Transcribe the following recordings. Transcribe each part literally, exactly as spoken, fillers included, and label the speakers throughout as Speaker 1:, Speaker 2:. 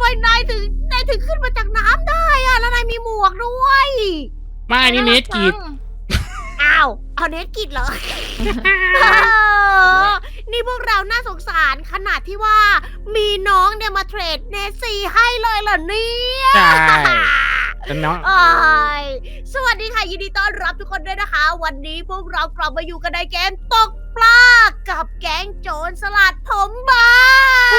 Speaker 1: มนายถึงนายถึงขึ้นมาจากน้ำได้อะแล้วนายมีหมวกด้วย
Speaker 2: ไม่นี่เนสกีด
Speaker 1: อ้าวเอาเนสกิดเหรอ เออนี่พวกเราน่าสงสารขนาดที่ว่ามีน้องเนี่ยมาเทรดเนสซีให้เลยเหรอเนี่ย
Speaker 2: ใช่เป็นน้อง
Speaker 1: อ้ายสวัสดีค่ะยินดีต้อนรับทุกคนด้วยนะคะ วันนี้พวกเรากลับมาอยู่กันในเกมตกปลากับแก๊งโจรสลัดผมบาง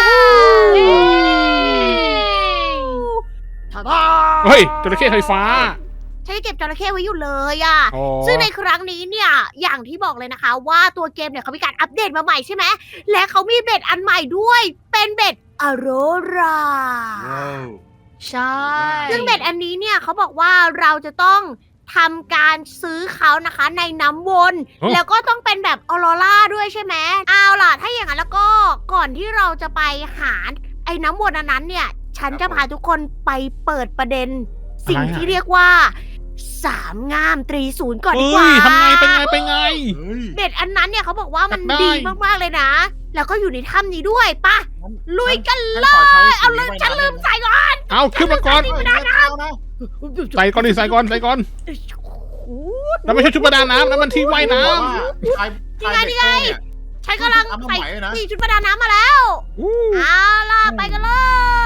Speaker 1: ท่าทา
Speaker 2: เฮ้ยจระเข้ไฟฟ้า
Speaker 1: ฉันเก็บจระเข้ไว้อยู่เลยอะ
Speaker 2: อ๋อ
Speaker 1: ซึ่งในครั้งนี้เนี่ยอย่างที่บอกเลยนะคะว่าตัวเกมเนี่ยเขามีการอัปเดตมาใหม่ใช่ไหมและเขามีเบ็ดอันใหม่ด้วยเป็นเบ็ดอโรรา
Speaker 3: ใช่
Speaker 1: ซึ่งเบ็ดอันนี้เนี่ยเขาบอกว่าเราจะต้องทำการซื้อเขานะคะในน้ำวน แล้วก็ต้องเป็นแบบออโรราด้วยใช่ไหมเอาล่ะถ้าอย่างนั้นแล้วก็ก่อนที่เราจะไปหาไอ้น้ำวนอันนั้นเนี่ย ฉันจะพาทุกคนไปเปิดประเด็น สิ่งที่เรียกว่าสามงามตรีศูนย์ก่อนดี
Speaker 2: เฮ้
Speaker 1: กว่า
Speaker 2: ยทำไงเป็นไงเป็นไง
Speaker 4: เฮ้ย
Speaker 1: เบ็ดอันนั้นเนี่ยเขาบอกว่ามัน
Speaker 2: ได้
Speaker 1: ดีมากๆเลยนะ แล้วก็อยู่ในถ้ำนี้ด้วยปะลุยกัน
Speaker 4: ฉันขอใช้
Speaker 1: เอาลืมฉันลืมใส่ก่อน
Speaker 2: เอาขึ้นมาก่อน
Speaker 4: ไม่ได้นะ
Speaker 2: ใส่ก่อนดิใส่ก่อนใส่ก่อนแล้วไม่ใช่ชุดประดาน้ำแล้วมันที่ว่ายน้
Speaker 4: ใคร
Speaker 1: นี่ไงนี่ไง ฉันกำลังใส่
Speaker 4: ใส่นะ
Speaker 1: นี่ชุดประดาน้ำมาแล้ว
Speaker 2: ำอู้
Speaker 1: เอาล่ะไปกันเลย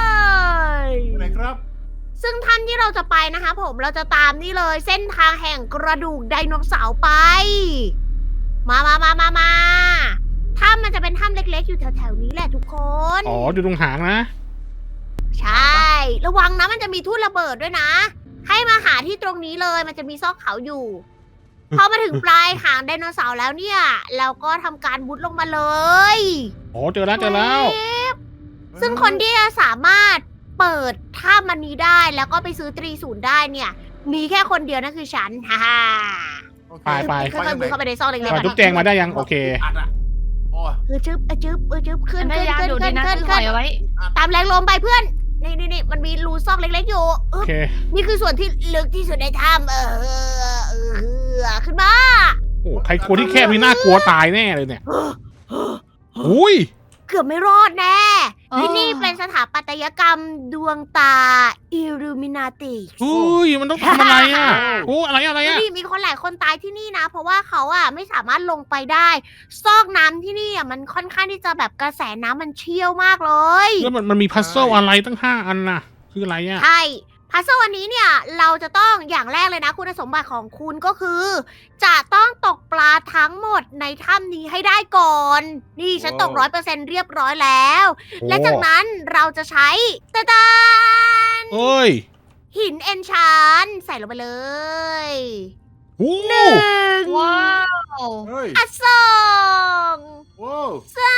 Speaker 4: ไหนครับ
Speaker 1: ซึ่งท่านที่เราจะไปนะคะผมเราจะตามนี่เลย เส้นทางแห่งกระดูกไดโนเสาร์ไป มามามามามาถ้ำมันจะเป็นถ้ำเล็กๆ อยู่แถวๆนี้แหละทุกคน
Speaker 2: อ๋ออยู่ตรงหางนะ
Speaker 1: ใช่ ระวังนะมันจะมีทุ่นระเบิดด้วยนะ ให้มาหาที่ตรงนี้เลยมันจะมีซอกเขาอยู่ พอมาถึงปลายหางไดโนเสาร์แล้วเนี่ย เราก็ทำการมุดลงมาเลย
Speaker 2: อ๋อเจอแล้วเจอแล้ว
Speaker 1: ซึ่งคนที่จะสามารถเปิดถ้ำมันนี้ได้แล้วก็ไปซื้อตรีศูนย์ได้เนี่ย มีแค่คนเดียวนั่นคือฉัน ฮ่าฮ่า
Speaker 2: ไปไป
Speaker 1: ค่อยๆมุดเข้าไปในซอกเล็ก
Speaker 2: ก่อน
Speaker 1: ๆ
Speaker 2: จุ๊บแจงมาได้ยังโอเค
Speaker 4: อัดอ่ะโอ้ย
Speaker 1: คือจึ๊บเออจึ๊บเออจึ๊บขึ้น
Speaker 3: พ
Speaker 1: ขึ้น
Speaker 3: ยายาม
Speaker 1: ขึ้น
Speaker 3: อยู่ดี
Speaker 1: ขึ้น
Speaker 3: นะ
Speaker 1: ขึ้น
Speaker 3: คือห
Speaker 1: ขึ้
Speaker 3: อน ยเอาไว้
Speaker 1: ตามแรงลมไปเพื่อน นี่นี่นี่มันมีรูซอกเล็กๆอยู่
Speaker 2: โอ
Speaker 1: อึ๊บ
Speaker 2: เค
Speaker 1: นี่คือส่วนที่ลึกที่สุดในถ้ำเออเออเออขึ้นมา
Speaker 2: โอ้ใครกลัวที่แคบนี่น่ากลัวตายแน่เลยเนี่ยอุ้ย
Speaker 1: เกือบไม่รอดแน่
Speaker 3: อ๋อ
Speaker 1: ที่นี่เป็นสถาปัตยกรรมดวงตาอิลูมินาติ
Speaker 2: อุ้ยมันต้องทำอะไรอ่ะโอ้อะไรอะไรอ่ะ
Speaker 1: นี่มีคนหลายคนตายที่นี่นะ เพราะว่าเขาอ่ะไม่สามารถลงไปได้ ซอกน้ำที่นี่อ่ะมันค่อนข้างที่จะแบบกระแสน้ำมันเชี่ยวมากเลย
Speaker 2: แล้วมันมันมีพัซเซิลอะไรตั้งห้าอันน่ะคืออะไรอ่ะ
Speaker 1: ใช่พัซเซิลวันนี้เนี่ย เราจะต้องอย่างแรกเลยนะ คุณสมบัติของคุณก็คือ จะต้องตกปลาทั้งหมดในถ้ำนี้ให้ได้ก่อน นี่ฉันตกร้อยเปอร์เซ็นเรียบร้อยแล้ว และจากนั้นเราจะใช้ตะดาน
Speaker 2: เอ้ย
Speaker 1: หินเอนชานใส่ลงไปเลย
Speaker 2: โอ้
Speaker 1: หนึ่ง
Speaker 3: ว้าว
Speaker 4: เฮ้ย
Speaker 1: อ่ะสอง
Speaker 4: ว้าว
Speaker 1: สาม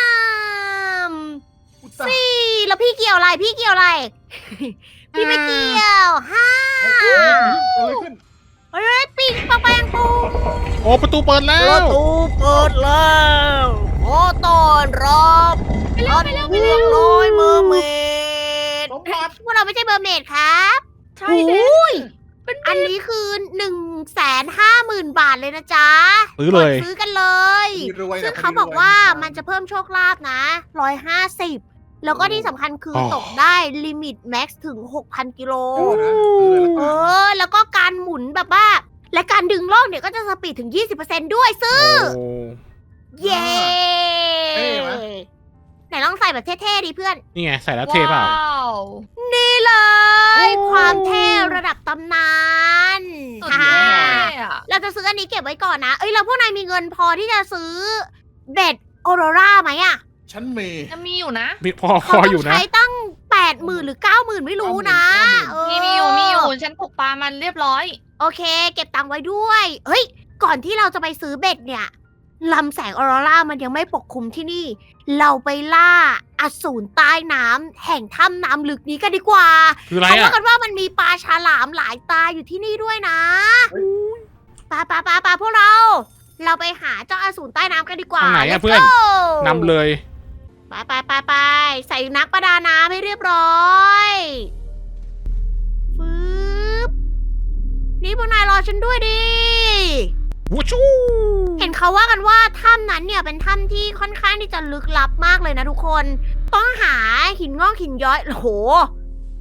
Speaker 4: อุตส่าห์
Speaker 1: สี่แล้วพี่เกี่ยวอะไรพี่เกี่ยวอะไร พี่ไม่เกี่ยวห้า
Speaker 4: เกิดอะไรขึ้น
Speaker 1: เฮ้ยปิงปังแปงปุง
Speaker 2: โอ้ประตูเปิดแล้
Speaker 1: ประ
Speaker 2: ว
Speaker 1: ตูเปิดแล้วขอต้อนรับท่านพวกน้อยเมอร์เมด
Speaker 4: สมบัติ
Speaker 1: พวกเราไม่ใช่เมอร์เมดครับ
Speaker 3: ใช่
Speaker 1: โอ
Speaker 3: เด็
Speaker 1: ้ยอันนี้คือหนึ่งแสนห้าหมื่นบาทเลยนะจ๊ะ
Speaker 2: ซื้อเลย
Speaker 1: กดซื้อกันเลย
Speaker 4: รวยนะ
Speaker 1: ซึ่งเขาบอกว่ามันจะเพิ่มโชคลาภนะร้อยห้าสิบแล้วก็ที่สำคัญคืออ
Speaker 2: อ
Speaker 1: ตกได้ลิมิตแม็กซ์ถึง หกพัน กิโล
Speaker 4: โอ้นะซื้อเลย
Speaker 1: เอ
Speaker 4: ละกัน
Speaker 1: อ แล้วก็การหมุนแบบว่า และการดึงโลกเนี่ยก็จะสปีดถึง ยี่สิบเปอร์เซ็นต์ ด้วยซื้อ
Speaker 2: โอ้
Speaker 1: เย้ไหนลองใส่แบบเท่ๆดิเพื่อน
Speaker 2: นี่ไงใส่แล้วเท่เปล่า
Speaker 3: ว้าว
Speaker 1: นี่เลย
Speaker 3: โอ้
Speaker 1: ความเท่ระดับตำนาน
Speaker 3: สุด
Speaker 1: ฮ่าย
Speaker 3: อดเลยอะ
Speaker 1: เราจะซื้ออันนี้เก็บไว้ก่อนนะ เอ้ยแล้วพวกนายมีเงินพอที่จะซื้อเบ็ดออโรราไหมอะ
Speaker 4: ฉันมี
Speaker 3: จะมีอยู่นะ
Speaker 2: มีพอพ
Speaker 1: เขา
Speaker 2: อ
Speaker 1: ต้
Speaker 2: อยู่
Speaker 1: อง
Speaker 2: นะ
Speaker 1: ใช้ตั้งแปดหมื่นหรือเก้าหมื่นไม่รู้นะเออ
Speaker 3: มีมีอยู่มีอยู่ฉันตกปลามันเรียบร้อย
Speaker 1: โอเค เก็บตังค์ไว้ด้วย เฮ้ย ก่อนที่เราจะไปซื้อเบ็ดเนี่ยลำแสงออโรรามันยังไม่ปกคลุมที่นี่ เราไปล่าอสูรใต้น้ำแห่งถ้ำน้ำลึกนี้กันดีกว่า
Speaker 2: คืออะไร
Speaker 1: เขาว่า
Speaker 2: อ่ะ
Speaker 1: กันว่ามันมีปลาฉลามหลายตาอยู่ที่นี่ด้วยนะปลาปลาปลาปลาพวกเรา เราไปหาเจ้าอสูรใต้น้ำกันดีกว่า
Speaker 2: ทางไหนอะ
Speaker 1: Let's
Speaker 2: เพื่อน
Speaker 1: go
Speaker 2: นำเลย
Speaker 1: ไปไปไปไปใส่นักประดาน้ำให้เรียบร้อย ฟืบนี่พวกนายรอฉันด้วยดิ
Speaker 2: วูชู
Speaker 1: เห็นเขาว่ากันว่าถ้ำนั้นเนี่ยเป็นถ้ำที่ค่อนข้างที่จะลึกลับมากเลยนะทุกคน ต้องหาหินงอกหินย้อยโอ้โห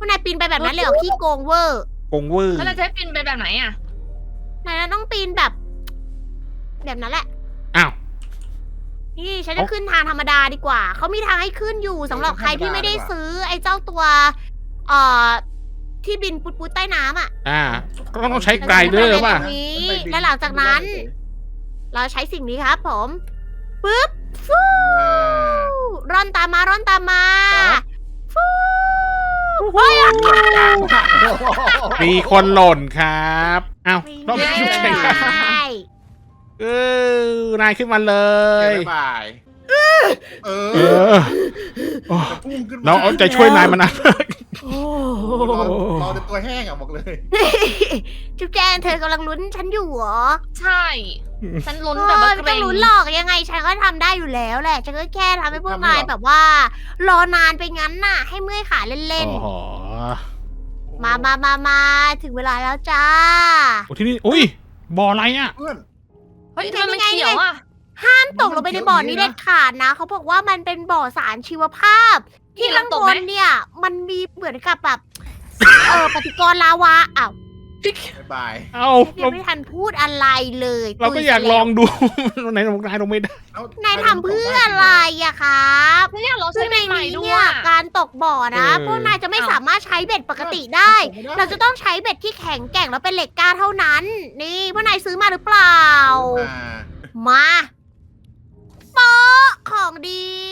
Speaker 1: พวกนายปีนไปแบบนั้นเลยเหรอขี้โกงเวอร์
Speaker 2: กงเวอร์
Speaker 3: แล้วเราจะให้ปีนไปแบบไหนอ่ะ
Speaker 1: นายต้องปีนแบบ แบบนั้นแหละ
Speaker 2: อ้าว
Speaker 1: นี่ฉันจะขึ้นทางธรรมดาดีกว่า เขามีทางให้ขึ้นอยู่สำหรับใครที่ไม่ได้ซื้อไอ้เจ้าตัว เอ่อ ที่บินปุดๆใต้น้ำอ่ะ
Speaker 2: อ่าก็ต้องใช้ไกลเดอร์ป่ะ
Speaker 1: ตรงนี้ และหลังจากนั้น เราใช้สิ่งนี้ครับผม ปึ๊บ ฟูร่อนตามมา ร่อนตามมา ฟูเฮ้ยอะ
Speaker 2: มีคนหล่นครับอ้าวต้อง
Speaker 1: ไม่
Speaker 2: ชุบแข่ง
Speaker 1: ได้
Speaker 2: เออนายขึ้นมาเลย
Speaker 4: บ๊ายบายเอ
Speaker 2: เอ
Speaker 4: อ
Speaker 2: อโอ้
Speaker 4: จะพุ่งขึ้นมา
Speaker 2: เราเอาใจช่วยนายมานะ
Speaker 1: โอ้
Speaker 4: รอรอจนตัวแห้งอ่ะบอกเลย
Speaker 1: จุ๊บแจงเธอกำลังลุ้นฉันอยู่เหรอ
Speaker 3: ใช่ ฉันลุ้น
Speaker 1: เอ
Speaker 3: แบบ
Speaker 1: อ
Speaker 3: ว่า
Speaker 1: ไม่
Speaker 3: เกร
Speaker 1: ต้อง
Speaker 3: ง
Speaker 1: ลุ้นหรอกยังไงฉันก็ทำได้อยู่แล้วแหละฉันก็แค่ทำให้พวก
Speaker 4: ทำไม่
Speaker 1: นาย
Speaker 4: หรอ
Speaker 1: แบบว่า รอนานไปงั้นน่ะ ให้เมื่อยขาเล่น
Speaker 2: โอ้โห
Speaker 1: ๆ มามามามาถึงเวลาแล้วจ้า
Speaker 2: โอ้ที่นี่อุ้ยบ่ออะไรอ่ะ
Speaker 4: เพื่อน
Speaker 3: เฮ้ยทำไมมันเขียวอ่ะ
Speaker 1: ห้ามตกลงไปในบ่อนี้เด็ดขาดนะ เขาบอกว่ามันเป็นบ่อสารชีวภาพ ที่ข้างบนเนี่ย มันมีเหมือนกับแบบ เออปฏิกรณ์ลาวาอ้าว
Speaker 4: บ๊ายบาย
Speaker 2: เอ้า
Speaker 1: ยั
Speaker 2: เรา
Speaker 1: งไม่ทันพูดอะไรเลย
Speaker 2: เราก็อยากลองดู ไหนลงนายลงไม่ได้
Speaker 4: เอ้
Speaker 1: นายทำเพื่ออะไรอะครับ
Speaker 3: ฉันอยากลอง
Speaker 1: ซึ่
Speaker 3: ใช้
Speaker 1: งใน
Speaker 3: ใหม่
Speaker 1: นี้
Speaker 3: ๆด้ว
Speaker 1: เนี่ย ยการตกบ่อนะ
Speaker 2: เออ
Speaker 1: พวกนายจะไม่สามารถใช้เบ็ดปกติได้ เราจะต้องใช้เบ็ดที่แข็งแกร่งแล้วเป็นเหล็กกล้าเท่านั้น นี่พวกนายซื้อมาหรือเปล่า
Speaker 4: อ่า
Speaker 1: มาโป๊ะของดี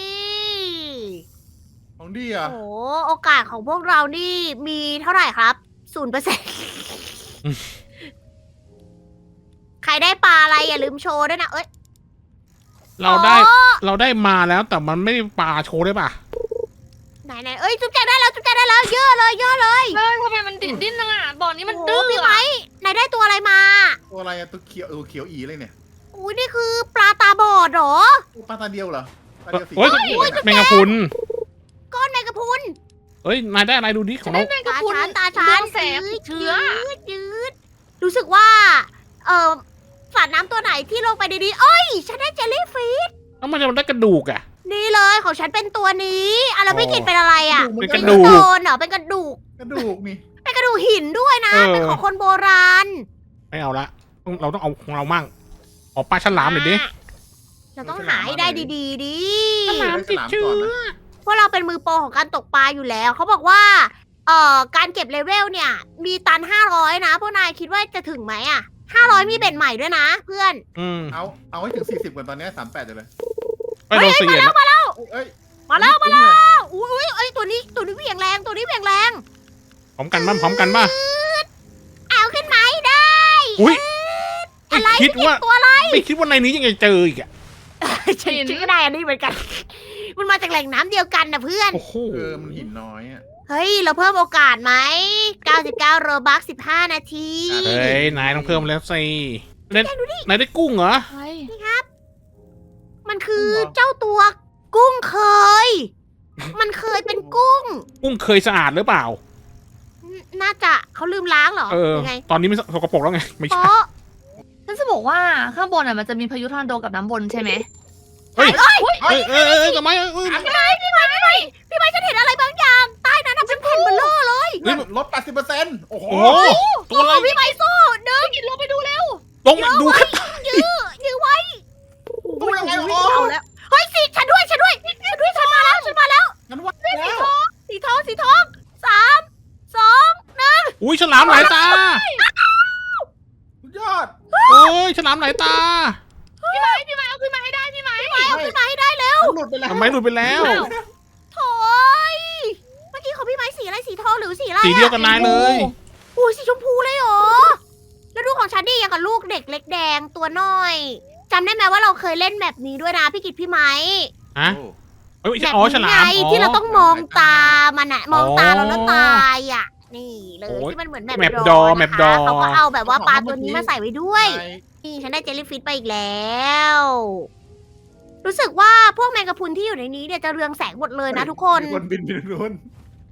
Speaker 4: ของดีอ่ะ
Speaker 1: โอ้โอกาสของพวกเรานี่มีเท่าไหร่ครับศูนย์เปอร์เซ็นต์ใครได้ปลาอะไรอย่าลืมโชว์ด้วยนะเอ้ย
Speaker 2: เราได้
Speaker 1: โอ้
Speaker 2: เราได้มาแล้วแต่มันไม่ได้ปลาโชว์ได้ป่ะ
Speaker 1: ไหนไหนเอ้ยจุ๊บแจงได้แล้วจุ๊บแจงได้แล้วเยอะเลยเยอะเลย
Speaker 3: เฮ้ยทำไมมันดิ้นดิ้นจังอ่ะบ่อนี้มัน
Speaker 1: โอ้
Speaker 3: ดื้อ
Speaker 1: พี่ไม้
Speaker 3: อะ
Speaker 1: นายได้ตัวอะไรมา
Speaker 4: ตัวอะไรอะตัวเขียวเออเขียวอีเลยเนี่ย
Speaker 1: อุ้ยนี่คือปลาตาบอดเหรอ
Speaker 4: โอ้ปลาตาเดียวเหรอปลาเดียวสี
Speaker 2: โอ้ย
Speaker 4: เขียวๆ
Speaker 2: แมงกะพรุน
Speaker 1: ก้อนแมงกะพรุน
Speaker 2: เอ้ยนายได้อะไรดูดิข
Speaker 3: ฉั
Speaker 2: อน ง
Speaker 3: ได้
Speaker 2: เรา
Speaker 3: แมงกะ
Speaker 1: ตา
Speaker 3: พรุน
Speaker 1: ฉันตาฉัน
Speaker 3: เรืองแสง
Speaker 1: ยืด
Speaker 3: เชื้อ
Speaker 1: ยืดยืดรู้สึกว่า เออสัตว์น้ำตัวไหนที่ลงไปดีๆเอ้ย ฉันได้เจลลี่ฟิช
Speaker 2: แล้วมันจะได้กระดูกอ่ะ
Speaker 1: นี่เลยของฉันเป็นตัวนี้อ่ะแล้วพี่กิตเป็นอะไรอ่ะ
Speaker 2: เป็น
Speaker 4: ก
Speaker 2: ก
Speaker 4: ระ
Speaker 2: ระ
Speaker 4: ดู
Speaker 2: ดู
Speaker 4: ก
Speaker 2: ก
Speaker 1: โดนเหรอเป็นกระดูก
Speaker 4: กระดูกนี่
Speaker 1: เป็นกระดูกหินด้วยนะ
Speaker 2: เออ
Speaker 1: เป็นของคนโบราณ
Speaker 2: ไม่เอาละต้องเราต้องเอาของเรามั่งออกปลาฉลามหน่อยดิ
Speaker 1: เราต้องหาให้ได้ดีๆดิ
Speaker 2: ฉลามติดเชื้อ
Speaker 1: พวกเราเป็นมือโปรของการตกปลาอยู่แล้ว เขาบอกว่า เอ่อ การเก็บเลเวลเนี่ย มีตันห้าร้อยนะ พวกนายคิดว่าจะถึงไหมอ่ะห้าร้อยมีเบ็ดใหม่ด้วยนะ เพื่อน
Speaker 2: อืม
Speaker 4: เอาเอาให้ถึงสี่สิบก่อนตอนนี้สามแปดเลย
Speaker 2: ไปโดนเสียแล้ว
Speaker 4: เอ้ย
Speaker 1: มาแล้วมาแล้วอุ้ยอุ้ยเอ้ยตัวนี้ตัวนี้เหวี่ยงแรงตัวนี้เหวี่ยงแรง
Speaker 2: พร้อมกันบ้างพร้อมกันบ้าง
Speaker 1: เอาขึ้นมาให้ได้
Speaker 2: อุ้ยไม่
Speaker 1: อะไร
Speaker 2: คิดว่า
Speaker 1: ตัวอะไร
Speaker 2: ไม่คิดว่าในนี้ยังไงเจออีกอ่ะ
Speaker 1: ฉันฉันก็ได้อันนี้เหมือนกัน มันมาจากแหล่งน้ำเดียวกันนะเพื่อน
Speaker 2: โอ้โห
Speaker 4: เออมันหินน้อยอ่ะ
Speaker 1: เฮ้ย เราเพิ่มโอกาสไหมเก้าสิบเก้าโรบักสิบห้านาที
Speaker 2: เฮ้ยนายต้องเพิ่มแล้วสิเล่นนายได้กุ้งเหรอ
Speaker 3: เฮ้ย
Speaker 1: มันคือเจ้าตัวกุ้งเคย มันเคยเป็นกุ้ง
Speaker 2: กุ้งเคยสะอาดหรือเปล่า
Speaker 1: น่าจะเขาลืมล้างเหรอ
Speaker 2: เออ
Speaker 1: ยังไง
Speaker 2: ตอนนี้ไม่สกปรกแล้วไงไม่
Speaker 1: เพ
Speaker 2: ใช่
Speaker 1: ราะ
Speaker 3: ฉันจะบอกว่าข้างบนอ่ะมันจะมีพายุทอร์นาโดกับน้ำวนใช่ไหม
Speaker 2: เฮ้ย
Speaker 1: เอ้ย
Speaker 2: เอ้ยเอ้ยเอ้ยทำไมเอ้ยเอ้ย
Speaker 1: พี่ไม้พี่ไม้พี่ไม้พี่ไม้ฉันเห็นอะไรบางอย่างใต้นั้นน่ะเป็นแผ่นเบลเลอร์เลย
Speaker 4: เพื่อนลดแปดสิบเปอร์เซ็นต์โอ้โห
Speaker 2: โอ้โหตัวอะไร
Speaker 1: โอ้พี่ไม้สู้เดิน
Speaker 3: กินลงไปดูเร็ว
Speaker 2: ลงมาดูครับ
Speaker 1: ยื้อยื้อไว้
Speaker 4: ตัวยังไง
Speaker 1: โอ้
Speaker 4: โอ้
Speaker 1: โหเอาแล้วเฮ้ยสิฉันด้วยฉันด้วยฉันด้วยฉันมาแล้วฉันมาแล้ว
Speaker 4: งั้นว่า
Speaker 1: สี
Speaker 4: แล้ว
Speaker 1: ทองสีทองสีทองสามสองหนึ่ง
Speaker 2: อุ้ยฉลามหลายตา
Speaker 4: สุดยอด
Speaker 2: โอ้ยฉลามหลายตา
Speaker 3: พี่ไม้พี่ไม้เอาขึ้นมาให้ได้พี่ไม้
Speaker 1: เอาขึ้นมาให้ได้เร็ว
Speaker 4: มันหลุดไปแล้ว
Speaker 2: ทำไมหลุดไปแล้ว
Speaker 1: โถ่ยเมื่อกี้ของพี่ไม้สีอะไรสีทองหรือสีอะไร
Speaker 2: สีเดียวกับนายเลย
Speaker 1: โอ้ยสีชมพูเลยเหรอ แล้วดูของฉันดิอย่างกับลูกเด็กเล็กแดงตัวน้อยจำได้ไหมว่าเราเคยเล่นแบบนี้ด้วยนะพี่กิตพี่ไม้
Speaker 2: ฮะ
Speaker 4: โอ้
Speaker 2: เอ้ยไม่
Speaker 1: แบ
Speaker 2: ใช่
Speaker 1: บ
Speaker 2: อ๋อฉ
Speaker 1: นี้
Speaker 2: ลา
Speaker 1: ไง
Speaker 2: มอ๋อ
Speaker 1: ที่เราต้องมองตามันอะมองตาเราแล้วตายอะนี่เลย
Speaker 2: โอ้ย
Speaker 1: ที่มันเหมือน
Speaker 2: แม
Speaker 1: แบ
Speaker 2: ป
Speaker 1: บ
Speaker 2: ดอ
Speaker 1: นะคะ
Speaker 2: แมปดอ
Speaker 1: เขาก็เอาแบบว่าปลาตัวนี้มาใส่ไว้ด้วย
Speaker 4: นาย
Speaker 1: นี่ฉันได้เจลลี่ฟิชไปอีกแล้ว รู้สึกว่าพวกแมงกะพรุนที่อยู่ในนี้เนี่ยจะเรืองแสงหมดเลยนะทุกคน
Speaker 4: มีคนบินไปนู้น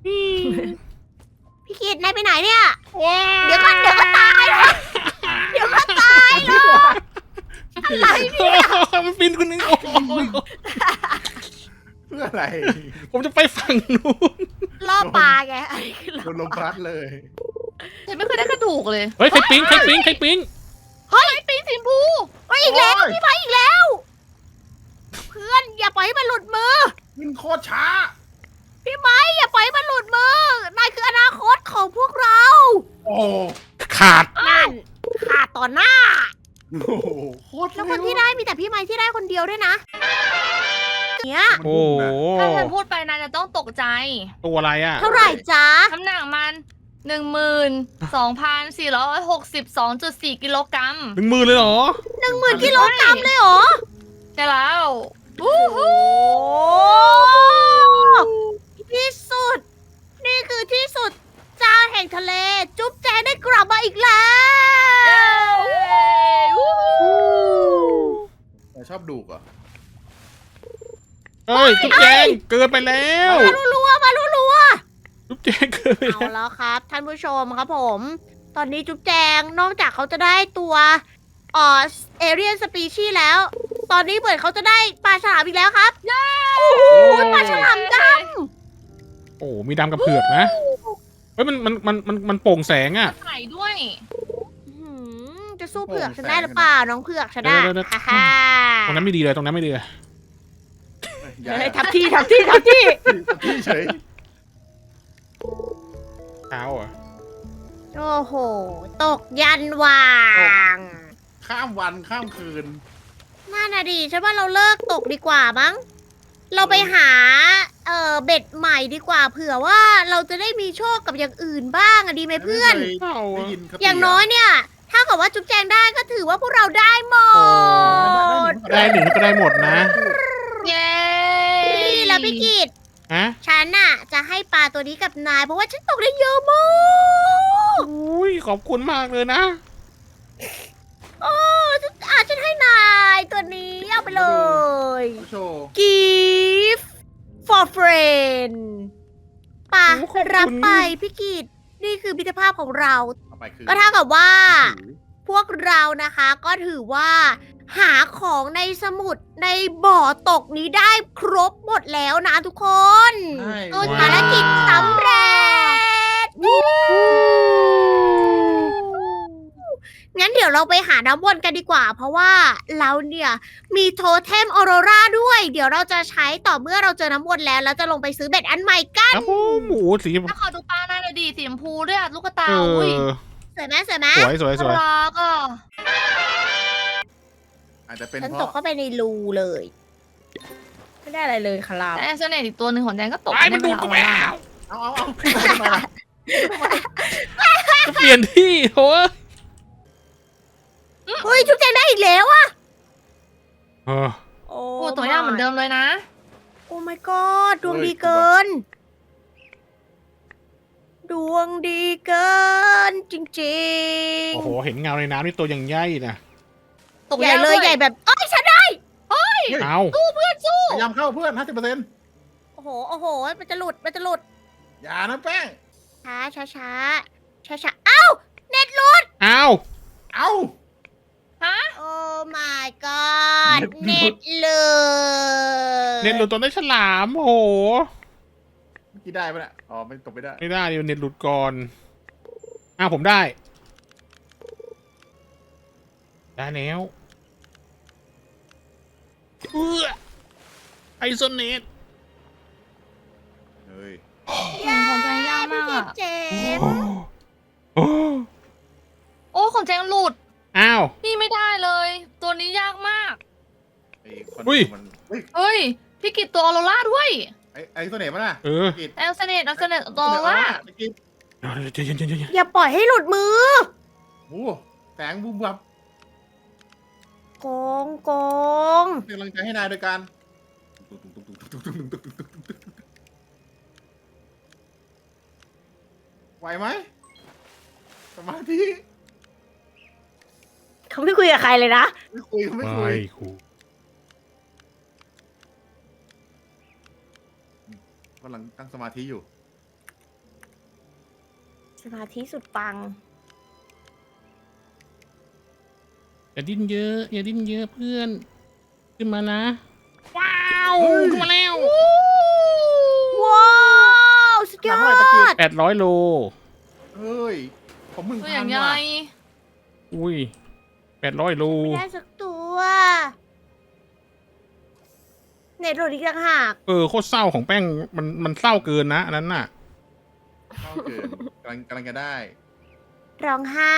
Speaker 1: พี่คิดนายไปไหนเนี่ย
Speaker 2: ว้า
Speaker 1: เดี๋ยวก็เดี๋ยวก็ตายนะเดี๋ยวก็ตายเนาะอะไร
Speaker 2: มันบินคนนึงโอ้โห
Speaker 4: เพื่ออะไร
Speaker 2: ผมจะไปฝั่งนู้น
Speaker 1: รอปลาไงอันนี้คือ
Speaker 4: โด
Speaker 1: ล่อน
Speaker 4: ลมพัดเลย
Speaker 3: ฉันไม่เคยได้กระดูกเลย
Speaker 2: เฮ้ยใครปิ๊งใครปิ๊งใครปิ๊ง
Speaker 3: ปีนสีชมพู
Speaker 1: เฮ้ยอีกแล้ว
Speaker 4: โอ้ย
Speaker 1: พี่ไม้อีกแล้ว เพื่อนอย่าปล่อยให้มันหลุดมือ
Speaker 4: ขึ้นโคตรช้า
Speaker 1: พี่ไม้อย่าปล่อยให้มันหลุดมือนายคืออนาคตของพวกเรา
Speaker 4: โอ้โห
Speaker 2: ขาด
Speaker 1: นั่นขาดต่อหน้า
Speaker 4: โอ้โหโคตร
Speaker 1: แล้ว
Speaker 4: เร็
Speaker 1: คนที่ได้มีแต่พี่ไม้ที่ได้คนเดียวด้วยนะเนี่ย
Speaker 2: โอ้โห
Speaker 3: ถ้าฉันพูดไปนายจะต้องตกใจ
Speaker 2: ตัวอะไรอ่ะ
Speaker 1: เท่าไหร่จ๊ะ
Speaker 3: น้ำหนักมันหนึ่งหมื่นสองพันสี่ร้อยหกสิบสองจุดสี่กิโลกรัม
Speaker 2: หนึ่งหมื่นเลยเหรอ
Speaker 1: หนึ่งหมื่นกิโลกรัมเลยเหรอ
Speaker 3: ใช่แล้ว
Speaker 1: โอ้โหที่สุด นี่คือที่สุดจาแห่งทะเล จุ๊บแจงได้กลับมาอีกแล้ว
Speaker 4: แต่ชอบดูกเหรอ่ะ
Speaker 2: เฮ้ยจุ๊บแจงเกินไปแล้ว
Speaker 1: มารัวๆมารัว
Speaker 2: จุ๊บแจงเกินไป
Speaker 1: ๆเอา
Speaker 2: แล้ว
Speaker 1: แล้วครับ ท่านผู้ชมครับผม ตอนนี้จุ๊บแจงนอกจากเขาจะได้ตัวเอ่อเอเรียนสปีชีแล้ว ตอนนี้เหมือนเขาจะได้ปลาฉลามอีกแล้วครับโอ้โหปลาฉลามด
Speaker 2: โอ้มีดำกับเผือกนะเฮ้ยมันมันมันมันมันโปร่งแสงอ่ะ
Speaker 3: ไข่ด้วย
Speaker 1: ำอื้อหือจะสู้เผือกฉันได้หรือเปล่าน้องเผือกฉันได้
Speaker 2: เดี๋ยวๆๆ
Speaker 1: ฮ่าฮ่า
Speaker 2: ตรงนั้นไม่ดีเลยตรงนั้นไม่ดีเลย
Speaker 4: อย่า
Speaker 1: เฮ้ยทับที่ทับที่ทับที่
Speaker 4: พี่เฉย
Speaker 2: เท้าอ่ะ
Speaker 1: โอ้โห ตกยันวาง
Speaker 4: ข้ามวันข้ามคืน
Speaker 1: น่าน่ะดีฉันว่าเราเลิกตกดีกว่ามั้ง เราไปหา เอ่อ เบ็ดใหม่ดีกว่าเผื่อว่าเราจะได้มีโชคกับอย่างอื่นบ้างอะดีไหมเพื่อน
Speaker 4: ไม่เคย
Speaker 2: เท้า
Speaker 4: ได้
Speaker 2: อ่ะ
Speaker 4: ยินคติ
Speaker 1: อย่างน้อยเนี่ย ถ้าเกิดว่าจุ๊บแจงได้ก็ถือว่าพวกเราได้หมด
Speaker 2: ได้หนึ่งก็ได้หมดนะ
Speaker 3: เย้
Speaker 1: นี่แล้วพี่กิต
Speaker 2: ฮะ
Speaker 1: ฉันน่ะ จะให้ปลาตัวนี้กับนาย เพราะว่าฉันตกได้เยอะมาก
Speaker 2: อุ้ยขอบคุณมากเลยนะ
Speaker 1: โอ้ฉันอาฉันให้นายตัวนี้เอาไปเลย
Speaker 4: โชว์
Speaker 1: gift for friend ป่ะ
Speaker 2: โอ้ขอบคุณ
Speaker 1: รับไปพี่กิตนี่คือมิตรภาพของเรา
Speaker 4: เอาไปคือ
Speaker 1: ก็เท่ากับว่า
Speaker 4: ถือ
Speaker 1: พวกเรานะคะก็ถือว่า หาของในสมุดในบ่อตกนี้ได้ครบหมดแล้วนะทุกคน
Speaker 4: ใช่
Speaker 1: เออภารกิจสำเร็จ งั้นเดี๋ยวเราไปหาน้ำวนกันดีกว่า เพราะว่าเราเนี่ยมีโทเทมออโรราด้วย เดี๋ยวเราจะใช้ต่อเมื่อเราเจอน้ำวนแล้วแล้วจะลงไปซื้อเบ็ดอันใหม่กัน
Speaker 2: ครับผมหมูสี
Speaker 3: ถ้าขอดูปลาหน้าเลยดีสีชมพูด้วยอะลูกกระตา
Speaker 2: เอ
Speaker 3: อุ้ย
Speaker 2: อ
Speaker 1: สวยไหมสวยไหม
Speaker 2: สวยสวยสวย
Speaker 3: น่ารักอ่ะ
Speaker 4: อาจจะเป็น
Speaker 1: ฉัน
Speaker 4: เพ
Speaker 1: ตก
Speaker 4: ราะ
Speaker 1: เข้าไปในรูเลย ไม่ได้อะไรเลยครับ
Speaker 3: แต่เสน่ห์อีกตัวหนึ่งของแจงก็ตก
Speaker 2: ไอ้มันดูดกูแล้ว
Speaker 4: เอาเอาเอาทำไมล่ะ
Speaker 2: จะเปลี่ยนที่โถ่
Speaker 1: เฮ้ยจุ๊บแจงได้อีกแล้วอะ
Speaker 2: เออ
Speaker 1: โอ้
Speaker 3: โอ้ตัวอย่างเหมือนเดิมเลยนะ
Speaker 1: โอ้ my god ดวงดีเกิน ดวงดีเกิน จริง
Speaker 2: โอ้โหเห็นเงาในน้ำนี่ตัวอย่างใหญ่นะ
Speaker 3: ตก
Speaker 1: ๆ ใหญ่
Speaker 3: ยาก
Speaker 1: เลย
Speaker 3: ด้วย
Speaker 1: ใหญ่แบบเอ้ยฉันได้
Speaker 2: เอา
Speaker 4: พยายามเข้าเพื่อนห้าสิบเปอร์เซ็นต์
Speaker 1: โอ้โหโอ้โห มันจะหลุดมันจะหลุด
Speaker 4: อย่านะแป้ง
Speaker 1: ช้าช้าช้าช้าช้าเอ้าเน็ตหลุด
Speaker 2: เอา
Speaker 4: เอา
Speaker 3: ฮะ
Speaker 1: โอ้ my god
Speaker 4: เน็
Speaker 1: เน็
Speaker 4: ต
Speaker 1: ต
Speaker 4: หลุด
Speaker 1: หลุด
Speaker 2: เน็ตหลุดตัวได้ฉลามโอ้โห
Speaker 4: เมื่อกี้ได้ปะเนี่ยอ๋อไม่ตกไม่ได้
Speaker 2: ไม่ได้เดี๋ยวเน็ตหลุดก่อนอ้าวผมได้ ได้แล้วเอื้อไอโซเน็ต
Speaker 4: เฮ้ย
Speaker 3: ของแจงยากมากอะ
Speaker 1: เจ็บ
Speaker 2: โอ้
Speaker 3: โอ้ของแจงหลุด
Speaker 2: อ้าว
Speaker 3: นี่ไม่ได้เลย ตัวนี้ยากมาก
Speaker 4: ไอ้คน
Speaker 2: อุ้ย
Speaker 4: มันเฮ้ย
Speaker 3: เฮ้ย พี่กิตตัวออโรร่าด้วย
Speaker 4: ไอ้ไอ้ตัวไหนมาน่ะ
Speaker 2: เออ
Speaker 4: กิด
Speaker 3: แอลเซเนตแอลเซเนตตัวออโรร่า
Speaker 4: ไอ้กิด
Speaker 2: เดี๋ยวเดี๋ยวเดี๋ยวเดี๋ยวเดี๋ยว
Speaker 1: อย่าปล่อยให้หลุดมือ
Speaker 4: โอ้แสงบุ้มบับ
Speaker 1: โกงโกง
Speaker 4: เป็นกำลังใจให้นายโดยการไหวไหมสมาธิ
Speaker 1: เขาไม่คุยกับใครเลยนะ
Speaker 4: ไม่คุยเขาไม่คุ
Speaker 2: ไม่
Speaker 4: ย
Speaker 2: ครู
Speaker 4: กำลังตั้งสมาธิอยู่
Speaker 1: สมาธิสุดปัง
Speaker 2: อย่าดิ้นเยอะอย่าดิ้นเยอะเพื่อน ขึ้นมานะ ว้าวขึ้นมาแล้ว
Speaker 1: ว้าวสุดดยอ
Speaker 4: หนักเท่าไหร่ตะกี้
Speaker 1: ด
Speaker 2: แปดร้อยโล
Speaker 4: เฮ้ย ผมมึง
Speaker 3: ตัว
Speaker 4: พั
Speaker 3: อย่าง
Speaker 4: น
Speaker 3: ใหญ่
Speaker 4: ว่ะ
Speaker 2: อุ้ยแปดร้อยโล
Speaker 1: ไม่ได้สักตัวเน็ตโหลดอีกต่างหาก
Speaker 2: เออโคตรเศร้าของแป้งมันมันเศร้าเกินนะอันนั้นน่ะ
Speaker 4: เข้าเกินกำลังกำลังจะได้
Speaker 1: ร้องไห้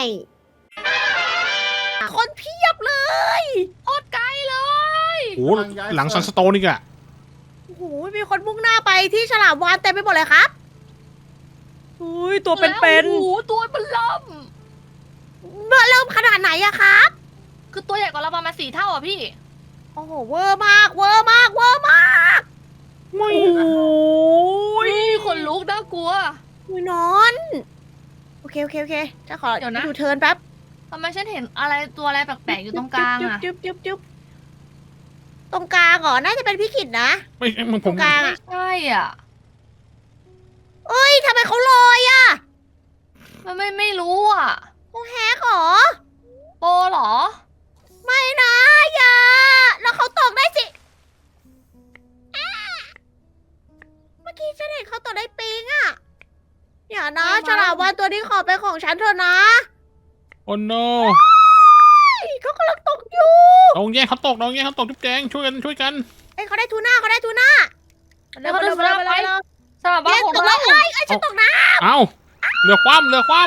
Speaker 1: คนเพียบเลย
Speaker 3: โคตรไกลเลย
Speaker 2: โอ้โหหลังซันสโตนนี่กอะ
Speaker 1: โอ้โหมีคนมุ่งหน้าไปที่ฉลามวาฬเต็มไปหมดเลยครับอุ้ยตัวเป็น
Speaker 3: โอ้โหตัวมันล่ม
Speaker 1: ๆเมื่อเริ่มขนาดไหนอะครับ
Speaker 3: คือตัวใหญ่กว่าเราประมาณสี่เท่าอ่ะพี่
Speaker 1: โอ้โหเวอร์มากเวอร์มากเวอร์มาก
Speaker 2: ไม่
Speaker 1: โอ้ย
Speaker 3: คนลุกน่ากลัว
Speaker 1: อุ้ยนอนโอเคโอเคโอเคจะขอ
Speaker 3: เดี๋ยวนะ
Speaker 1: ดูเทิร์นแป๊บ
Speaker 3: ทำไมฉันเห็นอะไรตัวอะไรแปลกๆอยู่ตรงกลางอ่ะ
Speaker 1: จุ๊บจุ๊บจุ๊บตรงกลางเหรอน่าจะเป็นพี่ขิดนะ
Speaker 2: ไม่มันผ
Speaker 1: ตร
Speaker 2: ม
Speaker 1: งกลาง
Speaker 3: ไม่
Speaker 1: อะ
Speaker 3: ใช่อ่ะ
Speaker 1: เอ้ยทำไมเขาลอยอะ
Speaker 3: มันไม่ไม่รู้อ่ะ
Speaker 1: เขาแฮกเหรอ
Speaker 3: โปเหรอ
Speaker 1: ไม่นะอย่าแล้วเขาตกได้สิอ้าเมื่อกี้ฉันเห็นเขาตกได้ปิงอะอย่านะ
Speaker 3: ไม่นะ
Speaker 1: ฉลามวาฬตัวนี้ขอเป็นของฉันเถอะนะ
Speaker 2: โอ้โน
Speaker 1: เฮ้ยเขากำลังตกอยู่
Speaker 2: น้องแย่งเขาตกน้องแย่งเขาตกจุ๊บแจงช่วยกันช่วยกัน
Speaker 1: เอ้ยเขาได้ทูน่าเขาได้ทูน่า
Speaker 3: แล้วก็ดูสลับไป สลับบ้า
Speaker 1: เย้
Speaker 3: นของ
Speaker 1: ตกแล้
Speaker 3: เรา
Speaker 1: วเอ้ยเอ้ยฉันตกน้
Speaker 2: เอ้าเรือคว่ำเรือคว่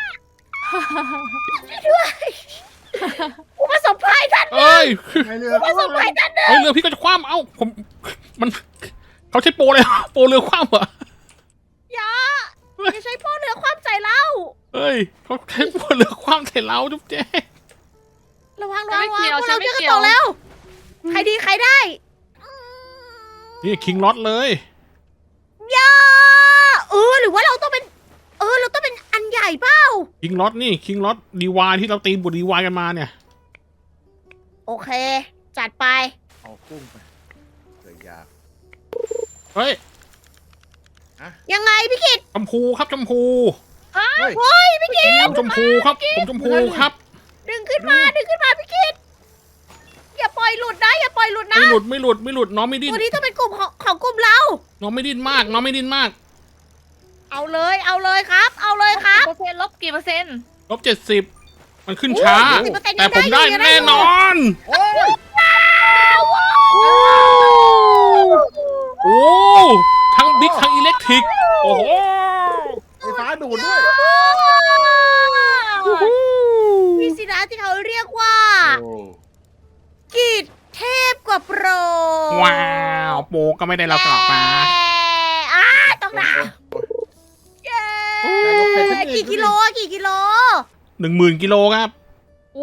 Speaker 1: ำผู้ประสบภัยท่าน
Speaker 2: ำเอ้ย
Speaker 4: ไงเรือ
Speaker 1: ผู้ประสบภัยท่านหนึ่ง
Speaker 2: เอ้ยเรือพี่ก็จะคว่ำเอ้าผมมันเขาใช้โปรเลยโปรเรือคว่ำเหรอ
Speaker 1: อย่าอย่าใช้พ่อเรือความใจเรา
Speaker 2: เอ้ยเขาใช้โปรเรือคว่ำใส่เราจุ๊บแจง
Speaker 1: ระวัง
Speaker 3: ฉั
Speaker 1: ระ
Speaker 3: น
Speaker 1: วั
Speaker 3: ไม่
Speaker 1: งระวัง
Speaker 3: เกี่ยว
Speaker 1: พวก
Speaker 3: ฉัน
Speaker 1: เรา
Speaker 3: ไม่
Speaker 1: ช่วยกัน
Speaker 3: เกี่ย
Speaker 1: ต
Speaker 3: ว
Speaker 1: กแล้ว ใครดีใครได้
Speaker 2: นี่คิงล็อตเลย
Speaker 1: อย่าเออหรือว่าเราต้องเป็น เออเราต้องเป็นอันใหญ่เปล่า
Speaker 2: คิงล็อตนี่คิงล็อตดีวายที่เราตีบุดีวายกันมาเนี่ย
Speaker 1: โอเค จัดไป
Speaker 4: เอากุ้งไปเกิดยาก
Speaker 2: เฮ้ย
Speaker 1: ยังไงพี่กิต
Speaker 2: ชมพูครับชมพู
Speaker 4: เฮ้ย
Speaker 1: เฮ้ยพี่กิต
Speaker 2: ผมชมพูครับผมชมพูครับ
Speaker 1: ดึงขึ้นมาดึงขึ้นมาพี่กิตอย่าปล่อยหลุดนะอย่าปล่อยหลุดนะ
Speaker 2: ไม่หลุดไม่หลุดไม่หลุดน้องไม่ดิ้น
Speaker 1: ตัวนี้ต้องเป็นกลุ่มของของกลุ่มเรา
Speaker 2: น้องไม่ดิ้นมาก น้องไม่ดิ้นมาก
Speaker 1: เอาเลยเอาเลยครับ เอาเลยครับ
Speaker 3: เปอร์เซ็นต์ลบกี่เปอร์เซ็นต์
Speaker 2: ลบเจ็ดสิบมันขึ้นช้า
Speaker 1: สิบเปอร์เซ็นต์
Speaker 2: แต่ผมได้
Speaker 1: ยังได้อยู่
Speaker 2: แน่นอน
Speaker 4: โอ้ย
Speaker 2: โอ้ทั้งบิ๊กทั้งอิเล็กทริก โอ้โห
Speaker 4: ไฟฟ้าดูดด้วย
Speaker 1: นี่สินะที่เขาเรียกว่า
Speaker 4: โอ้
Speaker 1: กิจเทพกว่าโปร
Speaker 2: ว้าวโปก็ไม่ได้เรากลับมา
Speaker 1: อ่าต้องนะ
Speaker 4: โอ้
Speaker 1: เย้
Speaker 4: ยายกไปขึ้นอีก
Speaker 1: กี่กิโลอะกี่กิโล
Speaker 2: หนึ่งหมื่นกิโลครับ
Speaker 3: โอ้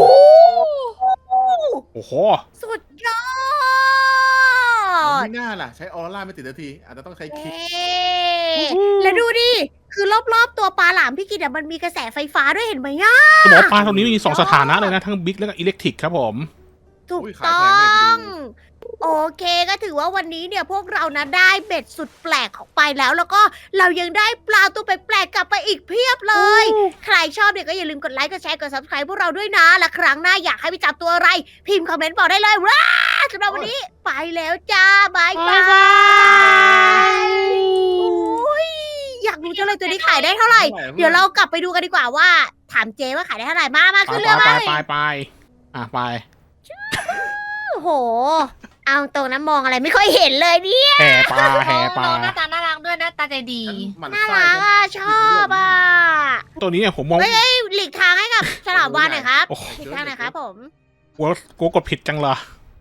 Speaker 2: โอ้โห
Speaker 1: สุดยอด
Speaker 4: ไม่น่าล่ะ ใช้ออร่าไม่ติดนาที อาจจะต้องใช้คิก
Speaker 1: เย้แล้วดูดิ คือรอบๆตัวปลาหลามพี่กิตอะมันมีกระแสไฟฟ้าด้วยเห็นไหมย่ะ
Speaker 2: จะบอกว่าปลาตัวนี้มีสองสถานะเลยนะ ทั้งบิ๊กแล้วก็อิเล็กทริกครับผม
Speaker 1: ถูก
Speaker 4: อุ้ยขาย
Speaker 1: ต้
Speaker 4: แพ
Speaker 1: อง
Speaker 4: เลย
Speaker 1: ง โอเคก็ถือว่าวันนี้เนี่ยพวกเรานะได้เบ็ดสุดแปลกของไปแล้ว แล้วก็เรายังได้ปลาตัวแปลกๆกลับไปอีกเพียบเลย ใครชอบเนี่ยก็อย่าลืมกดไลค์กดแชร์กด ซับสไครบ์ พวกเราด้วยนะ และครั้งหน้าอยากให้ไปจับตัวอะไร พิมพ์คอมเมนต์บอกได้เลยว้าสำหรับวันนี้ไปแล้วจ้าบายบายอุ๊ยอยากรู้จังเลยตัวนี้ขายได้เท่าไหร่ เดี๋ยวเรากลับไปดูกันดีกว่าว่า ถามเจว่าขายได้เท่าไหร่มามา
Speaker 2: ไป
Speaker 1: ขึ้น
Speaker 2: ไป
Speaker 1: เรือ
Speaker 2: ไป
Speaker 1: มา
Speaker 2: ไปไปอ่ะไป
Speaker 1: โอ้โห เอาตรงนั้นมองอะไรไม่ค่อยเห็นเลยเนี่ย
Speaker 2: แห่ปลาแห่ปลา
Speaker 3: น้องหน้าตาน่ารักด้วยหน้าตาใจดี
Speaker 4: ฉันหมัน
Speaker 1: น่า
Speaker 4: ไส้
Speaker 1: รักอ่ะชอบอ่ะ
Speaker 2: ตัวนี้เนี่ยผมมอง
Speaker 1: เฮ้ยเฮ้ยหลีกทางให้กับฉลามวาฬหน่อยครับ
Speaker 2: โอ้โห
Speaker 1: หลีกทางหน่อยครับผม
Speaker 2: กลัวกลัวกดผิดจังเลย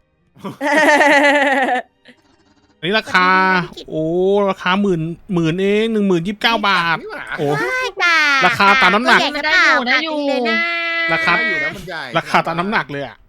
Speaker 2: อันนี้ราคา โอ้ราคาหมื่นหมื่นเองหนึ่งหมื่นยี่สิบเก้าบาท
Speaker 4: นี่หว่า
Speaker 2: โอ้
Speaker 1: ได้จ้ะ
Speaker 2: ราคาตามน้ำหนัก
Speaker 1: ตัวใญ่หรือเปล่า
Speaker 3: ได้อยู่
Speaker 1: หนักจริงเลยนะ
Speaker 2: ราคา
Speaker 4: ได้อยู่นะมันใหญ่
Speaker 2: ราคาตามน้ำหนักเลยอ่ะ